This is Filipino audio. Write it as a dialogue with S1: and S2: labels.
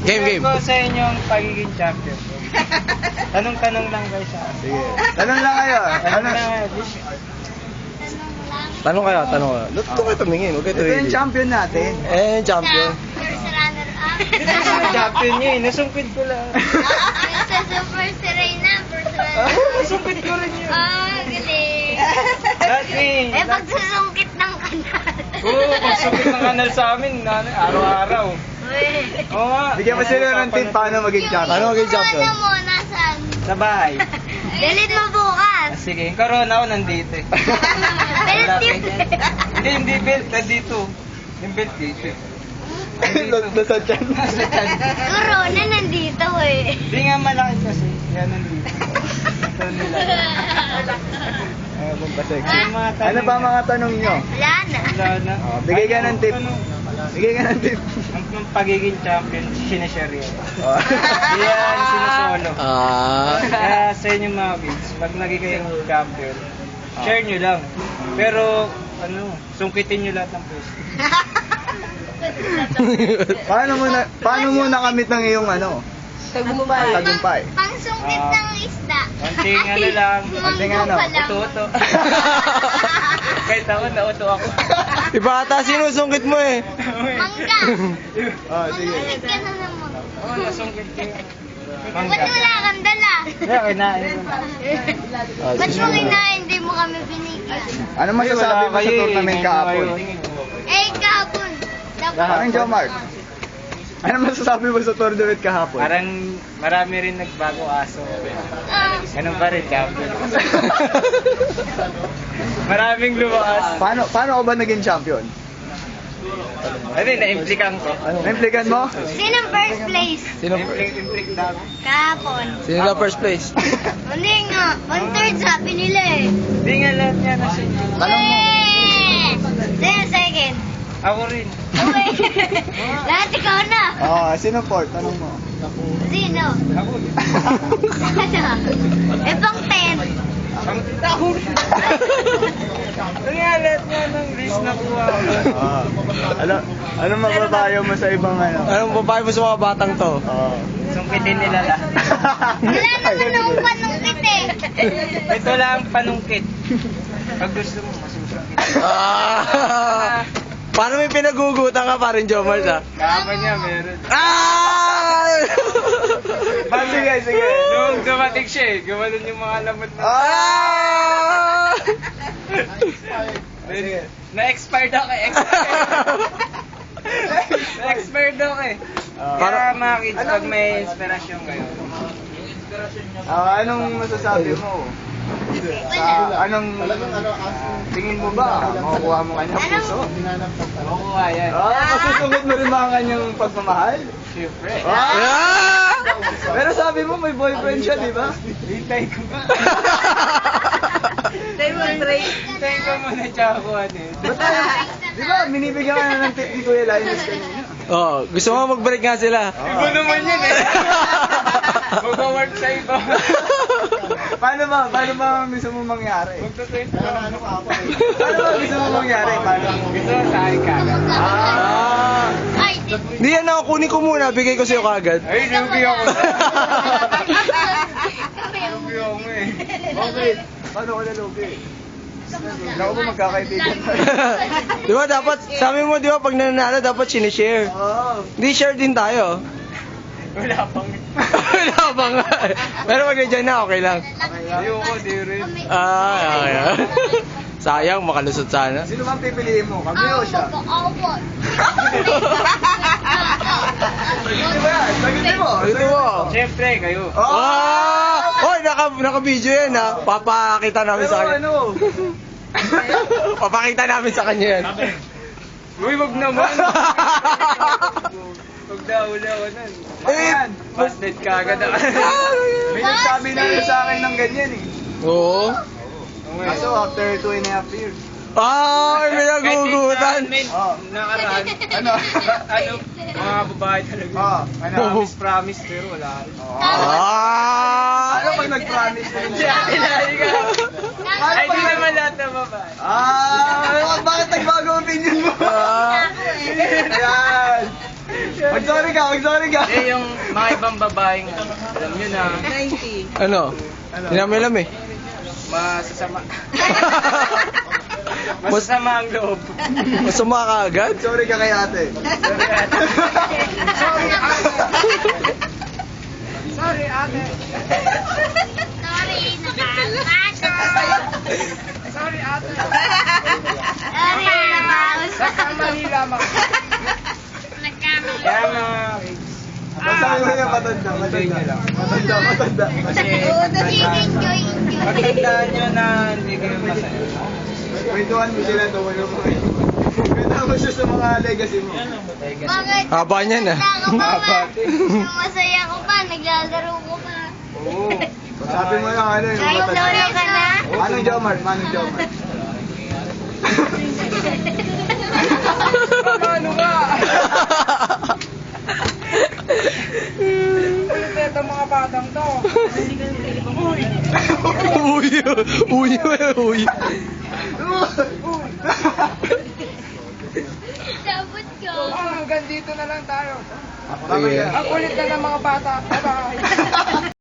S1: Game.
S2: ko sa inyo ang pagiging champion. Tanong-tanong lang guys sa akin.
S3: Sige. Tanong lang kayo.
S2: Tanong
S3: Ano?
S2: lang.
S1: Tanong kayo. Doon kayo tumingin, huwag kayo
S3: Ito yung champion natin.
S1: Eh, champion.
S4: First runner-up.
S2: Champion niya eh. Nasumpit ko lang.
S4: Sa Super Serena, first runner-up.
S2: Nasumpit ko rin yun.
S4: Galing.
S2: Dati.
S4: Eh, pagsusungkit ng kanal.
S2: Oo, pagsumpit ng kanal sa amin. Araw-araw.
S4: Uy.
S2: Oo nga.
S3: Bigyan mo sila ng tip paano maging champion.
S1: Paano maging champion?
S4: Ano mo, nasaan?
S2: Sa bahay.
S4: Delete mo bukas.
S2: Sige, yung corona ako nandito eh.
S4: Pero tip.
S2: Hindi belt. Nandito. Yung belt dito eh.
S3: Nasa dyan.
S2: Nasa dyan.
S4: Corona nandito eh.
S2: Hindi nga malaki kasi. Yan nandito. Ito nila.
S3: Ayun pa sexy.
S2: Yung mga tanong
S3: Ano ba ang mga tanong nyo?
S4: Wala na.
S2: Wala na.
S3: Bigay ka ng tip.
S2: Ano?
S3: Bigay ka ng tip.
S2: Ang pagiging champion, sinishare yan.
S3: Oh.
S2: Yan, sinusolo. Kaya sa inyo mga kids, pag naging kayong champion, share nyo lang. Pero, sungkitin nyo lahat ng pwesto.
S3: Paano mo nakamit ng iyong tagumpay?
S4: Pangsungkit ng isda.
S2: Konting lang.
S3: Konting
S4: Manggo pa lang.
S2: Uto-uto. Kahit ako, nauto ako.
S1: Iba ata sinusungkit mo eh.
S4: Mangga.
S3: Oh, sige.
S4: Manungkit ka na naman.
S2: Oo, nasungkit ko.
S4: Ba't wala kang dala?
S2: Kaya kinain ko na.
S4: Ba't mo kinain? Hindi mo kami binigyan.
S3: Ano masasabi mo sa tournament kahapon?
S4: Eh, kahapon.
S3: Parang Joe Mark. Ano masasabi mo sa tournament kahapon?
S2: Parang marami rin nagbago aso. Ganun pa rin, champion. Maraming lumakas.
S3: Paano ka ba naging champion?
S2: Ano yun, na-implikan ko.
S3: Na-implikan mo?
S4: Sinong first place?
S2: Implik na ako.
S4: Kahapon.
S1: Sino na first place?
S4: Hindi nga. One third sabi nila eh.
S2: Hindi nga lahat niya nasa inyo.
S3: Tanong mo.
S4: Sino second?
S2: Ako rin.
S4: Uy. Lahat ikaw na.
S3: Sino fourth? Tanong mo.
S4: Sino?
S2: Ako rin.
S4: Eh, pang 10.
S2: Ako rin. Ano nga lahat niya ng list na kuha ko.
S3: Ano mababayo mo sa ibang
S1: Anong babae mo sa mga batang to?
S2: Sungkitin nila lahat.
S4: Wala naman akong panungkit eh.
S2: Ito lang panungkit. Pag gusto mo, masusungkit.
S1: Paano may pinagugutan ka pa rin, Jomar, ha?
S2: Kama niya, meron.
S3: Sige.
S2: Nung dumating siya eh, gumanon yung mga lamot na. Na-expired ako eh. Na-expired ako eh. Para mga kids, pag may inspirasyon kayo.
S3: Anong masasabi mo? Anong tingin mo ba? Makukuha mo kanyang puso?
S2: Makukuha yan.
S3: Masusunod mo rin mga kanyang pagmamahal?
S2: Siyempre.
S3: Pero sabi mo may boyfriend siya, di ba?
S2: Hintay ko. Hintay ko muna tsaka ko ano eh.
S3: Di ba, binibigyan ka na ng tip ni Kuya Linus kanina?
S1: Gusto mo mag-break nga sila?
S2: Iba naman yun eh. Mag-work sa iba.
S3: Paano ba gusto mo mangyari?
S2: Magtutuin ko lang.
S3: Paano ba gusto mo mangyari?
S2: Gusto mo sa akin kagad.
S4: Ay,
S1: Hindi yan ako, kunin ko muna, bigay ko sa'yo kagad.
S2: Ay, lugi ako. Lugi ako eh.
S3: Okay. Paano ko nalugi? Naku ba magkakaibigan tayo?
S1: Di ba dapat, sabi mo di ba pag nananalo dapat sinishare. Hindi share din tayo.
S2: Wala pang.
S1: Wala pa nga. Pero pag nandiyan na, okay lang.
S2: Ayoko, di rin.
S1: Okay. Sayang, makalusot sana.
S3: Sino bang pipiliin mo? Kami o siya? Di ba yan? Sagutin mo.
S1: Ito mo.
S2: Siyempre, kayo.
S1: Hoy, naka-video yan ha. Papakita namin sa kanya. Papakita namin sa kanya yan.
S2: Uy, wag naman. Wag na, ula ko nun. Busted ka agad ako.
S3: May nagsabi na rin sa akin ng ganyan eh.
S1: Oo.
S3: Kaso after 2.5 years.
S1: May nagugutan.
S2: Nakaraan. Ano, mga babae talaga. Promise, pero wala rin.
S3: Ano pag nag-promise na rin siya?
S2: Ay, di naman lahat ng babae.
S3: Bakit nagbago opinion mo? Ayan.
S1: Mag-sorry ka, mag-sorry ka.
S2: Eh, yung mga ibang babaeng, alam nyo na,
S1: Ano? Hinamilam eh.
S2: masasama. Masasama ang loob.
S1: Masama ka agad?
S3: Sorry ka kay ate.
S2: Sorry, ate.
S4: Sorry, nakakasya.
S2: Sorry, ate.
S4: Sorry, nakakasya.
S2: Nagkamali lamang.
S4: Nagkamali.
S2: Kaya mga kids,
S3: Masabi mo na matanda,
S2: enjoy nyo lang.
S3: matanda.
S2: Kasi,
S4: Enjoy.
S2: pagtandaan nyo na hindi kayo masaya.
S3: Kwentuhan mo sila to, wala mo. Kwentuhan mo siya sa mga legacy mo.
S4: Bakit?
S1: Haba niyan ah.
S4: Wala ka pa ba? Masaya ko pa, naglalaro ko pa.
S3: Oo. Sabi mo lang ano yung
S4: Kahit
S3: matanda.
S4: solo ka na?
S3: Manong Jomar, Manong Jomar.
S2: Ano ba? Ulit ito mga batang to.
S1: Uy.
S4: Sabot ko.
S2: Hanggang dito na lang tayo.
S3: Bakit?
S2: Ang kulit na ng mga bata. Bye-bye.